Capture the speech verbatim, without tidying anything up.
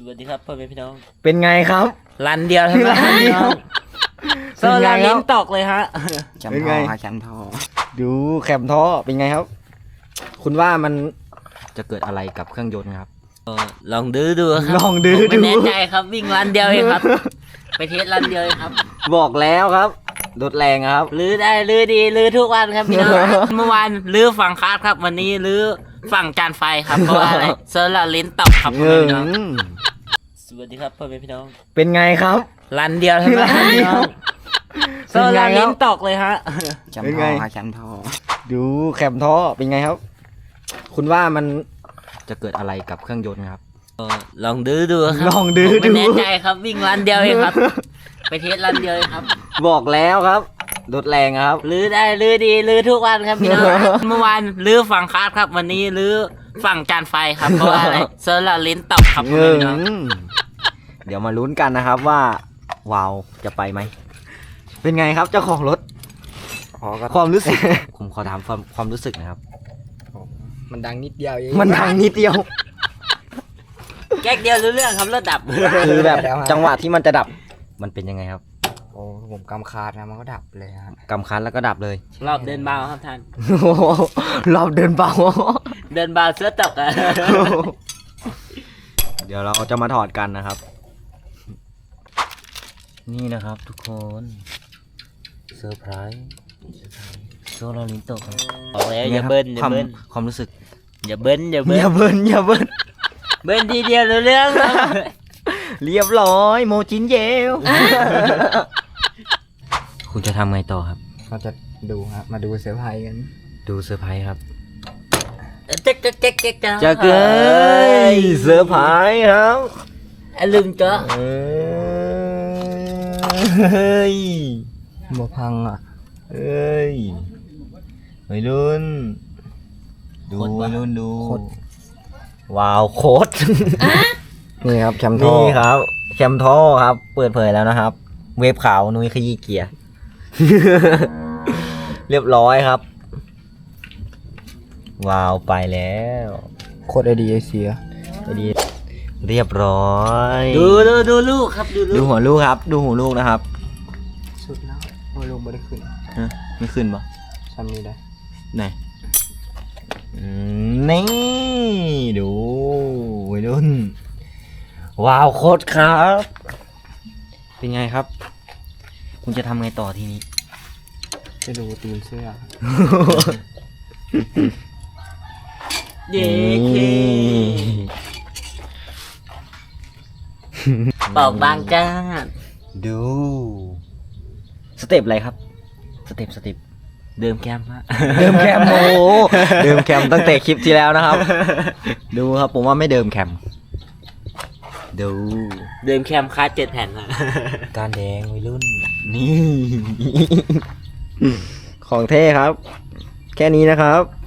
วัสดีครับพ่อแม่พี่น้องเป็นไงครับรันเดียวเท่านั้นพี่น้องโซลาลิ้นตกเลยฮะแชมป์ทอครับแชมป์ทอดูแคมท่อเป็นไงครับ คุณว่ามันจะเกิดอะไรกับเครื่องยนต์ครับเออลองดื้อดูครับลองดื้อผมไม่ดูแน่ใจครับวิ่งรันเดียวเองครับ ไปเทสรันเดียวเองครับบอกแล้วครับรถแรงครับลื้อได้ลื้อดีลื้อทุกวันครับพี่น้อง เมื่อวานลื้อฝั่งคาร์ดครับวันนี้ลื้อฝั่งจานไฟครับเพราะว่าอะไรโซลาลิ้นตกครับพ่อแม่พี่น้องสวัสดีครับพ่อแม่พี่น้องเป็นไงครับรันเดียวเท่านั้นพี่น้องโซลาลิ้นตกเลยฮะแชมป์ทอครับแชมป์ทอดูแคมท่อเป็นไงครับ คุณว่ามันจะเกิดอะไรกับเครื่องยนต์ครับเออลองดื้อดูครับลองดื้อผมไม่ดูแน่ใจครับวิ่งรันเดียวเองครับ ไปเทสรันเดียวเองครับบอกแล้วครับรถแรงครับลื้อได้ลื้อดีลื้อทุกวันครับพี่น้อง เมื่อวานลื้อฝั่งคาร์ดครับวันนี้ลื้อฝั่งจานไฟครับเพราะว่าอะไรโซลาลิ้นตกครับพ่อแม่พี่น้องเดี๋ยวมาลุ้นกันนะครับว่าวาวจะไปไหมเป็นไงครับเจ้าของรถอ๋อก็ความรู้สึก ผมขอถามความความรู้สึกนะครับมันดังนิดเดียวเองมันดังนิดเดียวแก๊กเดียวรู้เรื่องครับรถดับคือแบบจังหวะที่มันจะดับมันเป็นยังไงครับโอ้ผมกำคาดนะมันก็ดับเลยฮะกำคันแล้วก็ดับเลยรอบเดินเบาครับท่านโอ้โหรอบเดินเบาเดินเบาเสื้อตกอะเดี๋ยวเราจะมาถอดกันนะครับ นี่นะครับทุกคนเซอร์ไพรส์โซลารินโตะครับบอกแล้วอย่าเบิ้ลอย่าความเบิ้ลความรู้สึกอย่าเบิ้ลอย่าเบิ้อลย่าเบิ้ลอย่าเบิ้ลเบิ้ลทีเดียวรู้เรื่องครับเรียบร้อยโมจินเยล คุณจะทำไงต่อครับก็จะดูฮะมาดูเซอร์ไพรส์กันดูเซอร์ไพรส์ครับเจ๊กเจ๊กเจ๊กเจ๊กจะเกยเซอร์ไพรส์ครับอ่ะลืมก็เฮ้ยบ่พังอ่ะเฮ้ยวัยรุ่นดูวัยรุ่นดูโคตรว้าวโคตรนี่ครับแชมป์ทอนี่ครับแคมท่อครับ เปิดเผยแล้วนะครับ เวฟขาวนุ้ยขยี้เกียร์ เรียบร้อยครับ ว้าวไปแล้วโคตรไอดีไอเสียไปดีเรียบร้อยดูดูดูลูกครับดูลูดูกหัวลูกครับ ดูหัวลูกนะครับสุดแล้วโอ้ลงไม่ได้ขึ้นฮะไม่ขึ้นปะทำนี้ได้ไหนอืมนี่ดูวัยรุ่นว้าวโคตรครับ เป็นไงครับ คุณจะทำไงต่อทีนี้จะดูตีนเสื้อเย้เคบอกบางจ้าดู สเต็ปอะไรครับ สเต็ปสเต็ปเดิมแคมฮะเดิมแคมโอ้โหเดิมแคมตั้งแต่คลิปที่แล้วนะครับ ดูครับผมว่าไม่เดิมแคม ดูเดิมแคมคาเจ็ดแผ่นฮะการแดงวัยรุ่น นี่ ของเท่ครับ แค่นี้นะครับ